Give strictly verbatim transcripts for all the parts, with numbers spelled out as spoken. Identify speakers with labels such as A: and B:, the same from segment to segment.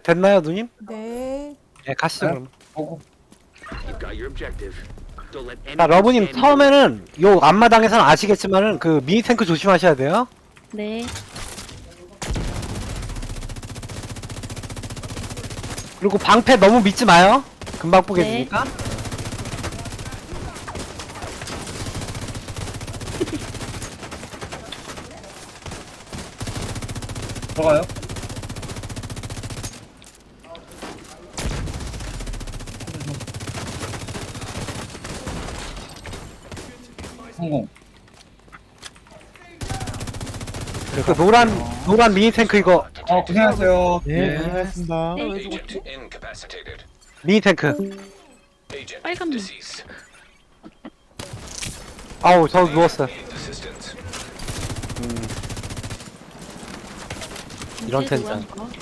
A: 됐나요, 누님?
B: 네.
A: 네, 가시죠,
C: 네?
A: 그럼.
C: 어,
D: You've got your objective. Don't let
A: 자,
D: anyone
A: 러브님,
D: stand in your way.
A: 처음에는 요 앞마당에서는 아시겠지만은 그 미니 탱크 조심하셔야 돼요.
E: 네.
A: 그리고 방패 너무 믿지 마요. 금방
E: 네.
A: 보겠으니까.
C: 들어가요? 성공.
A: 그 노란 노란 미니 탱크 이거
C: 어, 고생하셨어요.
F: 네, 고생하셨습니다.
B: 왜
G: Agent
B: 죽었지?
G: incapacitated.
A: 미니 탱크.
G: Agent
E: 빨간 문.
G: deceased.
A: 아우 저 누웠어요.
G: Needs assistance.
A: 이런
E: 이제
A: 텐션.
E: 누가 거?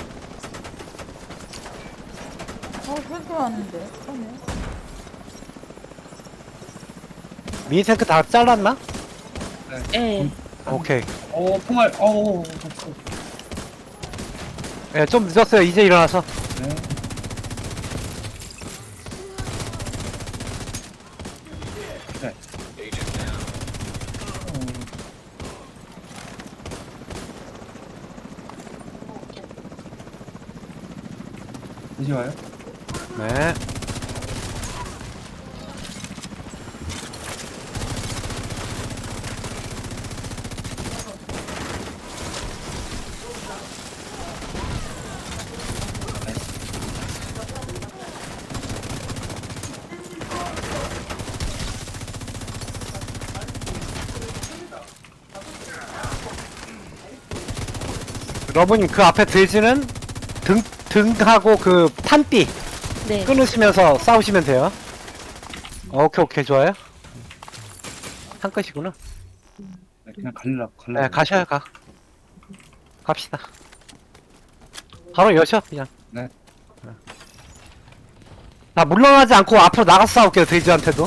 B: 어, 혈도 왔는데. 처음에.
A: 미니 탱크 다 잘랐나?
E: 예.
A: 오케이.
C: 어, 총알, 어우,
A: 예, 좀 늦었어요. 이제 일어나서.
C: 네.
G: Agent down.
C: 이제 와요?
A: 네. 러브님 그 앞에 돼지는 등 등하고 그 탄띠
E: 네.
A: 끊으시면서 싸우시면 돼요. 오케이 오케이 좋아요. 한 끝이구나.
C: 네, 그냥 갈라, 갈라.
A: 네 가셔요 가. 갑시다. 바로 여셔 그냥.
C: 네.
A: 자 물러나지 않고 앞으로 나가서 싸울게요 돼지한테도.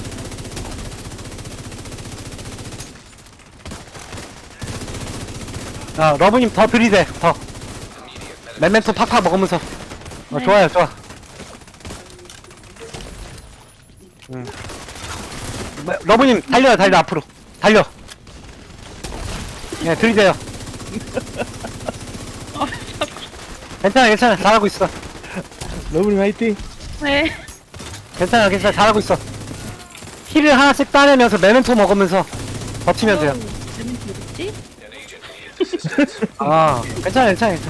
A: 자 러브님 더 들이대 더. 메멘토 팍팍 먹으면서. 어,
E: 네.
A: 좋아요 좋아. 음. 뭐, 러브님 달려요 달려 앞으로 달려. 예 들이대요. 괜찮아 괜찮아 잘하고 있어.
F: 러브님 화이팅!
E: 네.
A: 괜찮아 괜찮아 잘하고 있어. 힐을 하나씩 따내면서 메멘토 먹으면서 버티면 돼요.
E: 재밌 뭐지?
G: An agent needs assistance.
A: 아 괜찮아 괜찮아 괜찮아.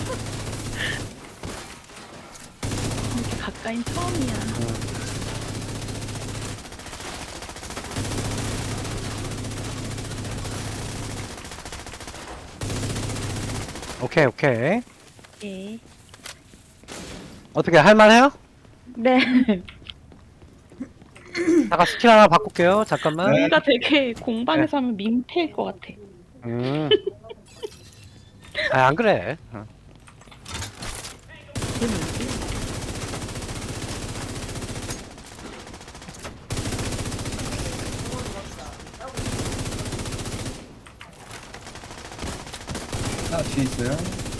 E: 이렇게 가까이 처음이야.
A: 오케이 오케이.
E: 예.
A: 어떻게 할만해요?
E: 네.
A: 잠깐 스킬 하나 바꿀게요 잠깐만.
C: 네.
E: 뭔가 되게 공방에서 하면 민폐일 것 같아.
A: 음. 아, 안 그래. 어.
E: 이게 뭐지?
C: 하나 뒤에 있어요.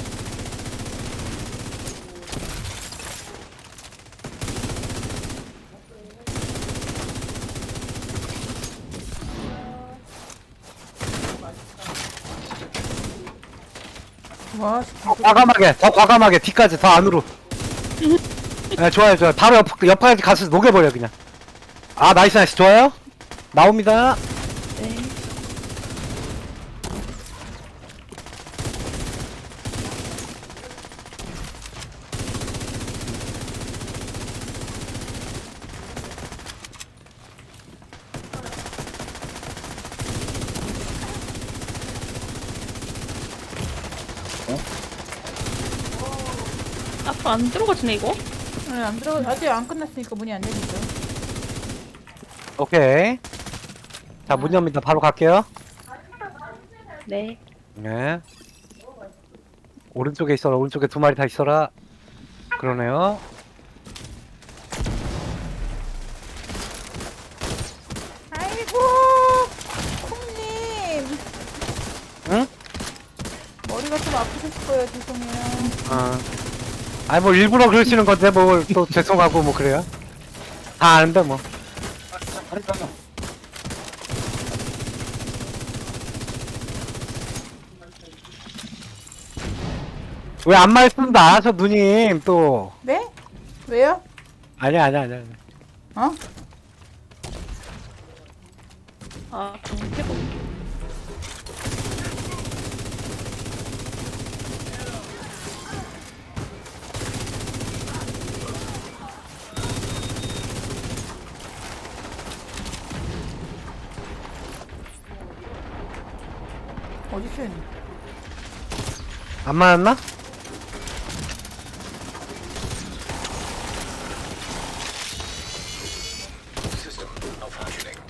B: 와, 씨,
A: 더 과감하게, 더 과감하게, 뒤까지, 더 안으로. 네, 좋아요, 좋아요. 바로 옆, 옆까지 가서 녹여버려, 그냥. 아, 나이스, 나이스, 좋아요. 나옵니다.
E: 네. 앞으로 안 들어가지네 이거?
B: 네, 안 들어가. 아직 안 끝났으니까 문이 안 열리죠.
A: 오케이. 자, 문 엽니다. 바로 갈게요.
E: 네.
A: 네. 오른쪽에 있어라, 오른쪽에 두 마리 다 있어라. 그러네요.
B: 아이고, 콩님.
A: 응?
B: 머리가 좀 아프셨을 거예요. 죄송해요.
A: 어. 아니 뭐 일부러 그러시는 건데 뭐 또 죄송하고 뭐 그래요. 다 아는데 뭐.
C: 다리 가자.
A: 왜 안 말씀다 저 누님 또.
B: 네? 왜요?
A: 아니야 아니야 아니야. 아니야.
B: 어?
E: 아, 공태고.
B: 어디서 있니?
A: 안 맞았나?
G: System malfunctioning.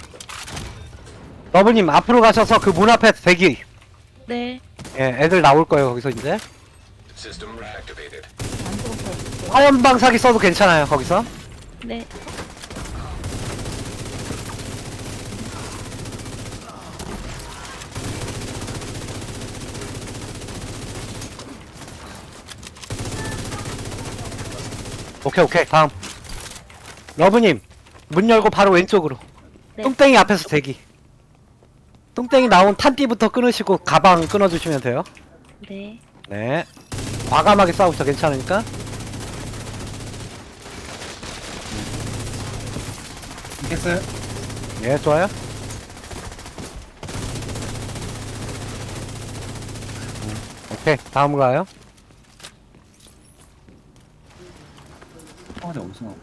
A: 러브님 앞으로 가셔서 그 문 앞에 대기.
E: 네.
A: 예, 애들 나올 거예요 거기서 이제.
G: System reactivated.
B: 안 죽었어.
A: 화염 방사기 써도 괜찮아요 거기서.
E: 네.
A: 오케이 오케이 다음. 러브님 문 열고 바로 왼쪽으로.
E: 네.
A: 똥땡이 앞에서 대기. 똥땡이 나온 탄띠부터 끊으시고 가방 끊어주시면 돼요.
E: 네.
A: 네. 과감하게 싸우셔 괜찮으니까.
C: 있겠어요?
A: 예 좋아요. 음, 오케이 다음 가요.
C: 총알이 어디서 나오지?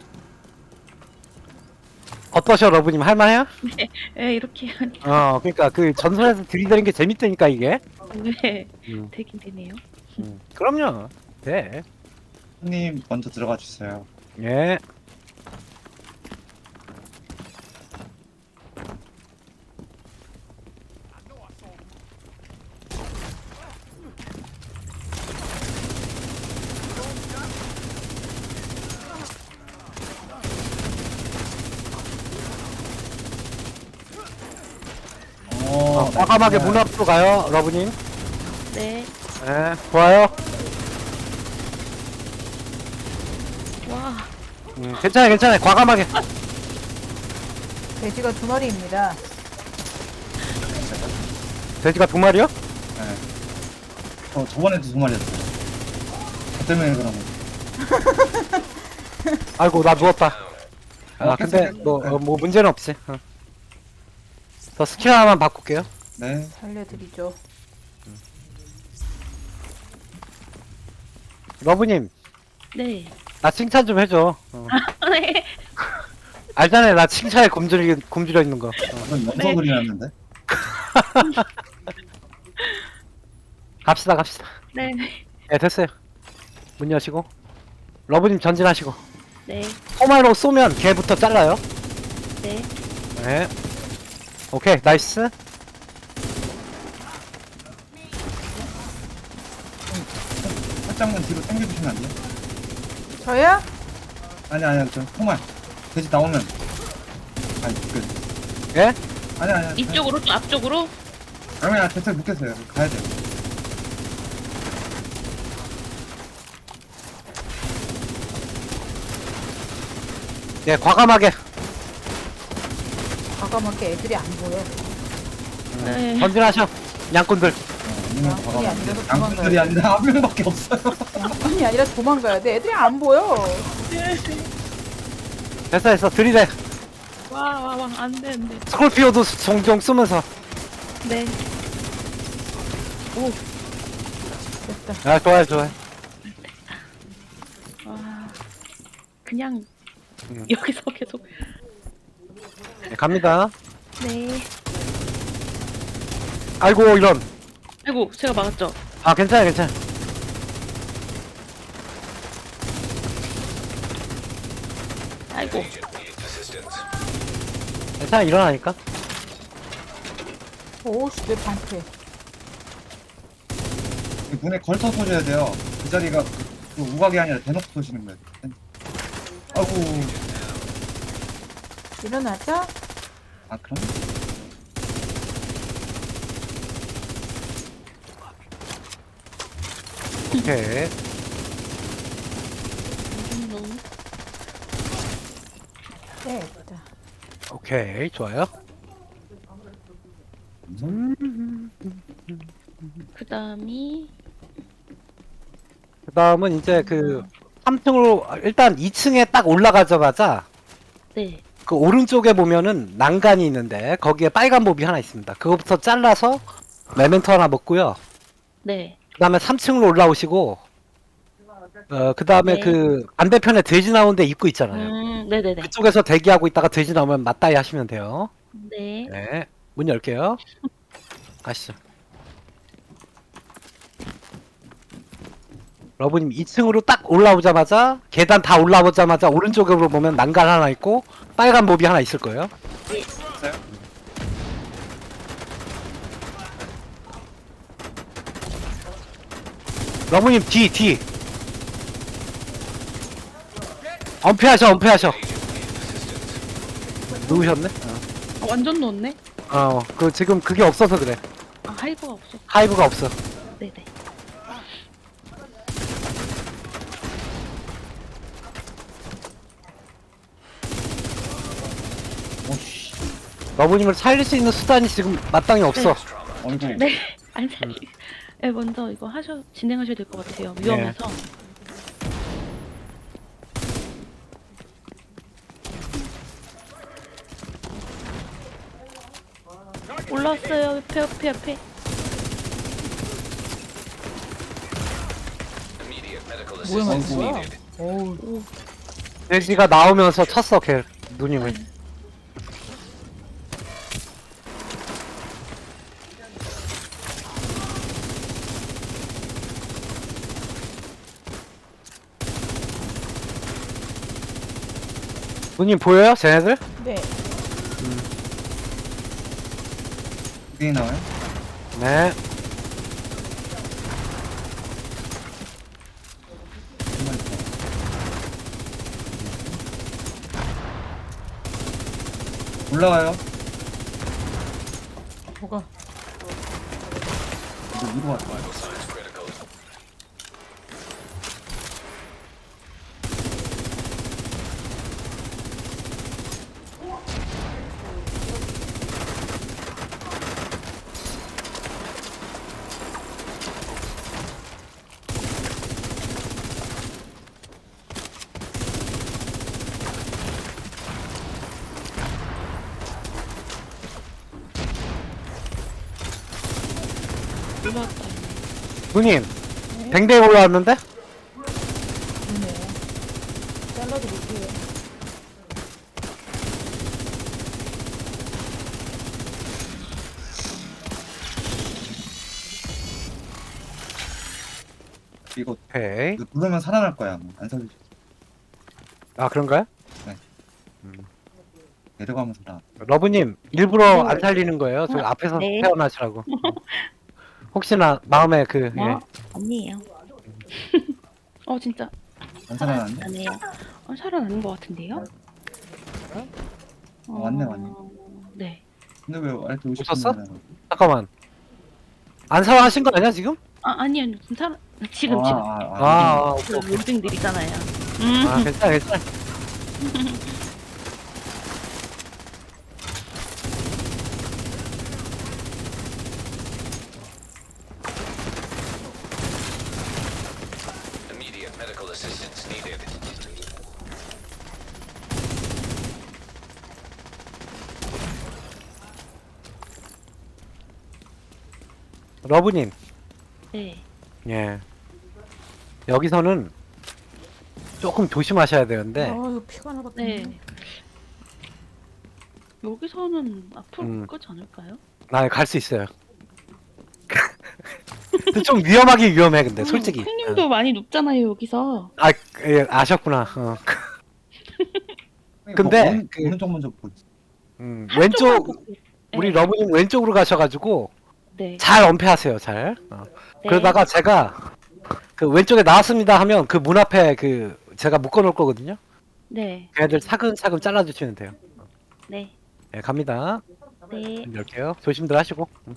A: 어떠셔 러브님 할만해요?
E: 예, 이렇게 하니.
A: 어 그러니까 그 전선에서 들이대는 게 재밌다니까 이게.
E: 네.
A: 음,
E: 되긴 되네요.
A: 음. 그럼요. 네.
C: 손님 먼저 들어가 주세요.
A: 예.
C: 어,
A: 어, 과감하게
C: 네.
A: 문 앞으로 가요 러브님.
E: 네.
A: 예 좋아요.
E: 와.
A: 음, 괜찮아요 괜찮아요 과감하게.
B: 돼지가 두 마리입니다.
A: 돼지가 두 마리요?
C: 네. 어, 저번에도 두 마리였어요. 저 때문에 그런 거.
A: 아이고 나 누웠다. 아
C: 어,
A: 근데
C: 괜찮아요.
A: 뭐, 어, 뭐 문제는 없지. 어. 저 스킬 하나만 바꿀게요.
C: 네.
B: 살려드리죠.
A: 러브님
E: 네.
A: 나 칭찬 좀 해줘. 어.
E: 네.
A: 알잖아요 나 칭찬에 굶주려, 굶주려 있는 거. 어.
C: 저는 영서 그리놨는데.
A: 갑시다 갑시다.
E: 네.
A: 예 됐어요. 문 여시고 러브님 전진하시고
E: 네.
A: 포마로 쏘면 걔부터 잘라요.
E: 네.
A: 네. 오케이 나이스.
C: 살짝만 뒤로 당겨주시면 안 돼요?
B: 저요?
C: 아니, 아니, 저 포말. 돼지 나오면. 아니, 그.
A: 예?
C: 아니, 아니.
E: 이쪽으로 또 앞쪽으로.
C: 아니, 아니, 대체 묻겠어요. 가야 돼요.
A: 예 과감하게.
B: 과감하게 애들이 안 보여.
E: 네.
A: 전진하셔 양꾼들.
C: 어, 아니면
B: 양꾼이
C: 과감하게.
B: 아니라서
C: 양꾼들이 아니라 한 명밖에 없어요.
B: 양꾼이 아니라 도망가야 돼. 애들이 안 보여.
A: 됐어 됐어 들이대.
E: 와, 와, 와. 안 돼, 안 돼.
A: 스콜피오도 종종 쓰면서.
E: 네.
B: 됐다.
A: 아 좋아요 좋아요.
E: 와. 그냥
A: 음.
E: 여기서 계속.
A: 예, 갑니다.
E: 네.
A: 아이고 이런.
E: 아이고, 제가 막았죠.
A: 아 괜찮아 괜찮아.
E: 아이고.
G: Agent needs assistance.
A: 괜찮아 일어나니까.
B: 오씨 내 방패.
C: 문에 걸터 쏘셔야 돼요. 그 자리가 그, 그 우각이 아니라 대놓고 쏘시는 거예요. 아이고.
B: 일어나자.
C: 아, 그럼?
A: 오케이.
B: 네, 됐다.
A: 오케이, 좋아요.
E: 그 다음이
A: 그 다음은 이제 그 삼 층으로 일단 이 층에 딱 올라가자마자
E: 네.
A: 그 오른쪽에 보면은 난간이 있는데 거기에 빨간 몹이 하나 있습니다. 그거부터 잘라서 메멘토 하나 먹고요.
E: 네.
A: 그 다음에 삼 층으로 올라오시고 어, 그 다음에
E: 네.
A: 그 반대편에 돼지 나오는 데 입구 있잖아요.
E: 음, 네네네.
A: 그쪽에서 대기하고 있다가 돼지 나오면 맞다이 하시면 돼요.
E: 네.
A: 네. 문 열게요. 가시죠. 러브님 이 층으로 딱 올라오자마자 계단 다 올라오자마자 오른쪽으로 보면 난간 하나 있고 빨간 몹이 하나 있을 거예요.
C: 있어요?
A: 러브님 뒤 뒤. 엄폐하셔 엄폐하셔. 누우셨네?
E: 아, 완전 넣었네?
A: 어, 그 지금 그게 없어서 그래.
E: 아, 하이브가 없어.
A: 하이브가 없어.
E: 네네.
C: 오씨.
A: 러브님을 살릴 수 있는 수단이 지금 마땅히 없어.
C: 어이구.
E: 네. 안 살리. 네, 먼저 이거 하셔, 진행하셔야 될 것 같아요. 위험해서. 올라왔어요. 옆에, 옆에, 옆에.
G: Immediate medical
B: 뭐야,
G: assistance
B: 뭐야?
G: needed.
B: 어우,
A: 돼지가 나오면서 쳤어 걔 누님을. 누님 보여요? 쟤네들?
B: 네.
C: 두 개나 나와요?
A: 네.
C: 한 마리 더. 올라와요.
B: 뭐가?
C: 이거 위로 왔다.
G: Signs critical.
E: 올라왔다.
A: 누님 댕댕이 올라왔는데?
B: 좋네. 잘라도 못해요.
C: 이거
A: 오케이.
C: 이거 누르면 살아날 거야. 아마. 안 살려줘.
A: 아 그런가요?
C: 내려가면서 나.
A: 러브님 일부러 안 살리는 거예요. 저 앞에서
E: 네.
A: 태어나시라고. 혹시나 마음에 그
E: 뭐?
A: 예.
E: 아니에요. 어, 진짜.
C: 안 살아났네.
E: 아니에요. 어, 살아나는 것 같은데요?
C: 어, 맞네, 맞네.
E: 네.
C: 근데 왜 이렇게 오십
A: 웃었어?
C: 분
A: 잠깐만. 안 살아하신 거 아니야 지금?
E: 아, 아니요. 지금 살아, 지금,
C: 아,
E: 지금.
C: 아,
A: 아,
C: 아,
A: 아,
E: 그
A: 오케이, 오케이.
E: 로딩 느리잖아요. 음.
A: 아 괜찮아 괜찮아.
G: Immediate medical assistance needed.
A: 러브님.
E: 네.
A: 예. 여기서는 조금 조심하셔야 되는데.
B: 아, 이거 피가 나봤네.
E: 네. 여기서는 앞으로
A: 음.
E: 못 가지 않을까요?
A: 나 갈 수 있어요. 근데 좀 위험하긴 위험해 근데 솔직히.
E: 음, 콩님도 많이 눕잖아요, 여기서.
A: 아 예, 아셨구나. 어.
C: 이거
A: 근데
C: 어느,
A: 그-
C: 어느 쪽 먼저 보지?
A: 음, 왼쪽
E: 한쪽만
A: 우리
E: 네.
A: 러브님 왼쪽으로 가셔가지고
E: 네.
A: 잘 엄폐하세요 잘. 어.
E: 네.
A: 그러다가 제가 그 왼쪽에 나왔습니다 하면 그 문 앞에 그 제가 묶어놓을 거거든요.
E: 네.
A: 걔네들 차근차근 잘라주시면 돼요.
E: 네.
A: 네 갑니다.
E: 네.
A: 문 열게요. 조심들 하시고. 음.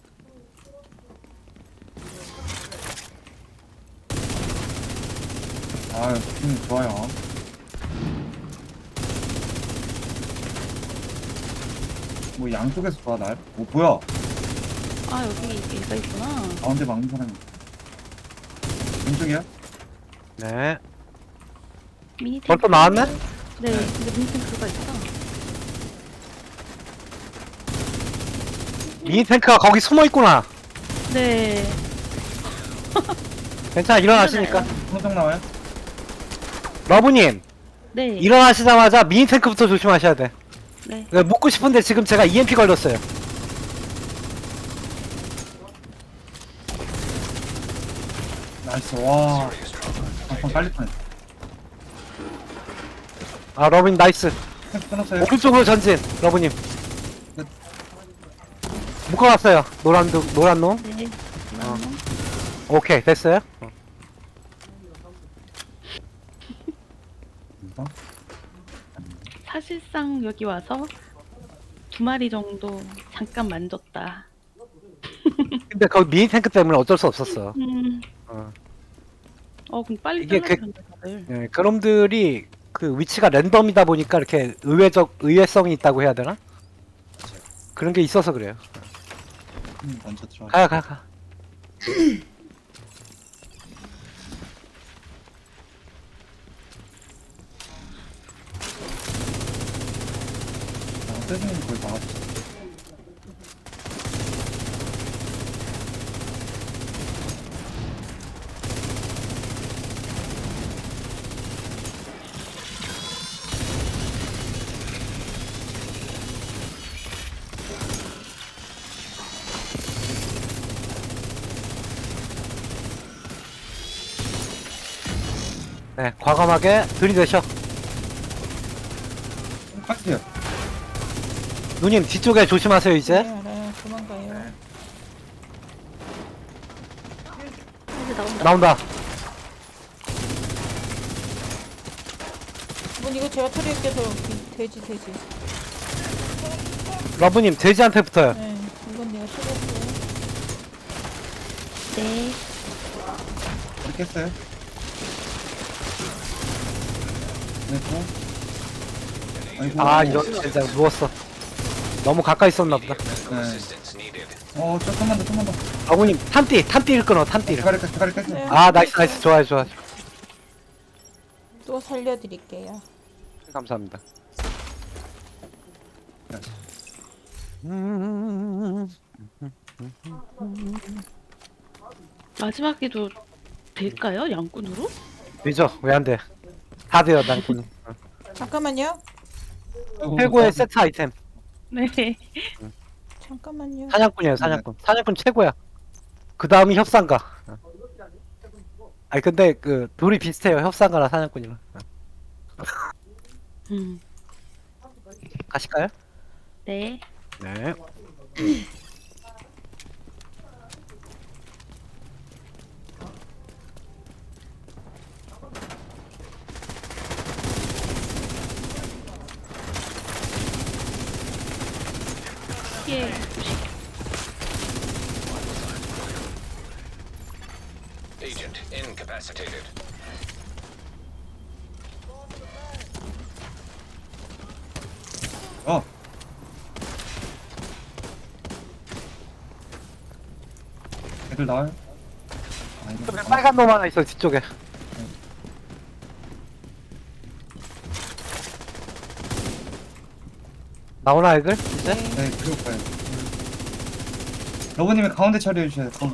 C: 아, 느낌 좋아요. 뭐 양쪽에서 봐 날. 오 뭐야?
E: 아 여기 얘가 있구나.
C: 가운데 막는 사람이. 왼쪽이야?
A: 네.
E: 미니 탱크.
A: 벌써 나왔네?
E: 네. 근데 미니 탱크가 있어.
A: 미니 탱크가 거기 숨어 있구나.
E: 네.
A: 괜찮아, 일어나시니까.
C: 손정 나와요?
A: 러브님,
E: 네.
A: 일어나시자마자 미니 탱크부터 조심하셔야 돼.
E: 네.
A: 네, 묻고 싶은데 지금 제가 이엠피 걸렸어요.
C: 나이스. 와. 한번 빨리 뻔했.
A: 아, 러브님 나이스.
C: 탱크 끊었어요.
A: 오른쪽으로 전진, 러브님.
C: 네.
A: 묶어놨어요. 노란, 도, 노란 놈.
E: 네.
A: 어. 오케이, 됐어요. 어.
C: 이거?
E: 사실상 여기 와서 두 마리 정도 잠깐 만졌다.
A: 근데 거기 미니 탱크 때문에 어쩔 수 없었어.
E: 음.
A: 어.
E: 어 그럼 빨리
A: 이게
E: 잘라주면 다들.
A: 예, 그놈들이 그 위치가 랜덤이다 보니까 이렇게 의외적, 의외성이 있다고 해야 되나? 그런 게 있어서 그래요.
C: 음, 먼저 들어가.
A: 가요, 가, 가.
C: 아, 세준이 거의 막아줬어.
A: 네, 과감하게 들이대셔.
C: 깎게요.
A: 누님, 뒤쪽에 조심하세요, 이제.
B: 네, 알아요. 도망가요.
E: 이제 나온다.
A: 나온다.
B: 뭐 이거 제가 처리할게서 돼지 돼지.
A: 러브님, 돼지한테 붙어요.
B: 네, 이건 내가 처리할게요.
E: 네.
C: 이렇게 했어요. 됐고. 아이고.
A: 아, 이런, 진짜 누웠어. 너무 가까이 있었나 보다.
G: Medical
C: 네.
G: assistance needed.
C: 어, 조금만 더, 조금만 더.
A: 러브님, 탄띠, 탄띠를 끊어, 탄띠를.
C: 대가리 깎, 대가리 깎게.
B: 네.
A: 아, 나이스, 나이스. 좋아요, 좋아요.
B: 또 살려드릴게요.
A: 감사합니다.
E: 마지막에도 될까요? 양꾼으로?
A: 되죠? 왜 안 돼? 다 돼요, 난군.
B: 잠깐만요.
A: 최고의 세트 아이템.
E: 네.
B: 잠깐만요.
A: 사냥꾼이에요, 사냥꾼. 사냥꾼 최고야. 그 다음이 협상가. 아니, 근데 그, 둘이 비슷해요. 협상가랑 사냥꾼이랑.
E: 음.
A: 가실까요?
E: 네.
A: 네.
E: 예.
G: Agent incapacitated.
C: 어. 애들 나와요? 아, 이거
A: 그래, 빨간 놈 하나 있어, 뒤쪽에. 나오나, 애들? 이제?
C: 네, 그럴 거예요. 러브님이 가운데 처리해 주셔야 돼요.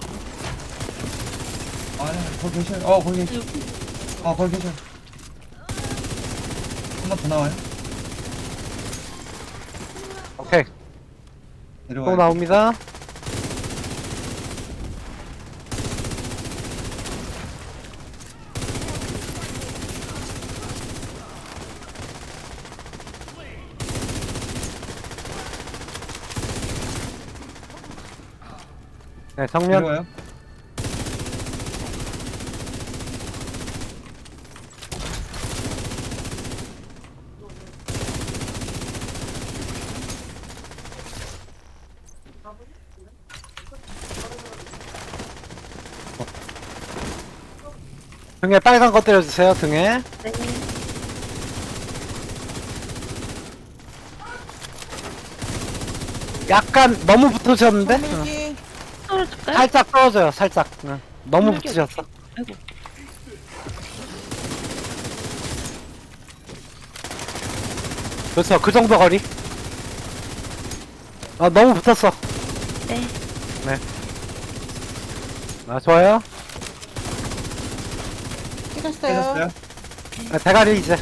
C: 아니, 거기 계셔요. 어, 거기 계셔. 어, 거기 계셔. 한 번 더 나와요.
A: 오케이. 또
C: 내려와요.
A: 나옵니다. 네, 정면.
C: 내려와요.
A: 등에 빨간 거 때려주세요, 등에.
E: 네.
A: 약간 너무 붙으셨는데? 어.
B: 밀기.
E: 떨어질까요?
A: 살짝 떨어져요, 살짝. 응. 너무
E: 밀기
A: 붙으셨어.
E: 아이고.
A: 그렇죠, 그 정도 거리. 아, 너무 붙었어.
E: 네.
A: 아, 좋아요.
B: 찍었어요.
C: 깨졌어요?
A: 아, 대가리 이제.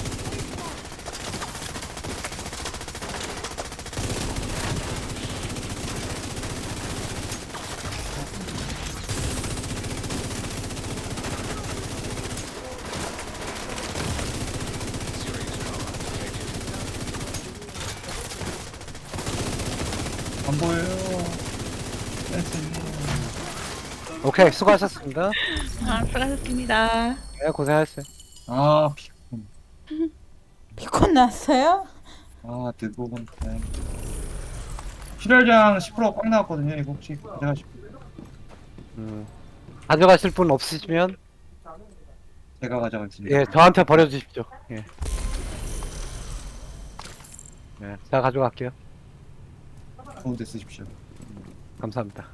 C: 안 보여요. 댄스님.
A: 오케이, 수고하셨습니다.
E: 아, 수고하셨습니다.
A: 네, 고생하셨어요.
C: 아, 피곤.
B: 피콘 났어요?
C: 아, 대부분. 네. 출혈량 십 퍼센트 꽉 나왔거든요. 이거 혹시 가져가실 분?
A: 음. 가져가실 분 없으시면,
C: 제가 가져가겠습니다.
A: 예, 저한테 버려주십시오. 예. 예, 제가 가져갈게요.
C: 좋은 데 쓰십시오.
A: 감사합니다.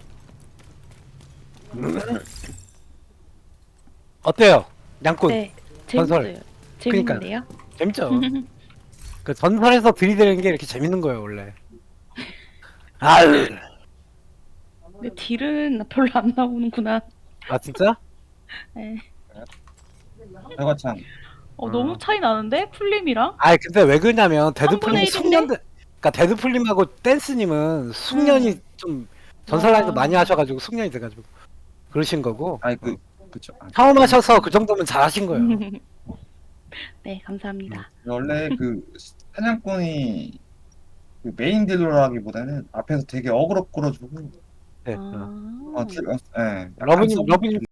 A: 어때요? 양꾼.
E: 네.
A: 전설.
E: 재밌어요. 재밌는데요?
A: 재밌죠? 그 전설에서 들이대는 게 이렇게 재밌는 거예요, 원래. 아유.
E: 근데 딜은 별로 안 나오는구나.
A: 아, 진짜?
E: 네.
C: 저거참.
E: 어,
A: 어.
E: 너무 차이 나는데? 풀림이랑?
A: 아이, 근데 왜 그러냐면, 데드풀님
E: 삼분의
A: 숙련, 그니까 데드풀님하고 댄스님은 숙련이
E: 음.
A: 좀, 전설 라인도
E: 아.
A: 많이 하셔가지고, 숙련이 돼가지고. 그러신 거고.
C: 아니, 그, 그쵸. 아,
A: 처음 하셔서 그 정도면 잘하신 거예요.
E: 네, 감사합니다.
C: 원래 그 사냥꾼이 그 메인 딜러라기보다는 앞에서 되게 어그로 끌어주고
A: 네. 어.
E: 아.
C: 어, 딜, 어, 예. 약간
A: 러브님,
C: 서브-
A: 러브님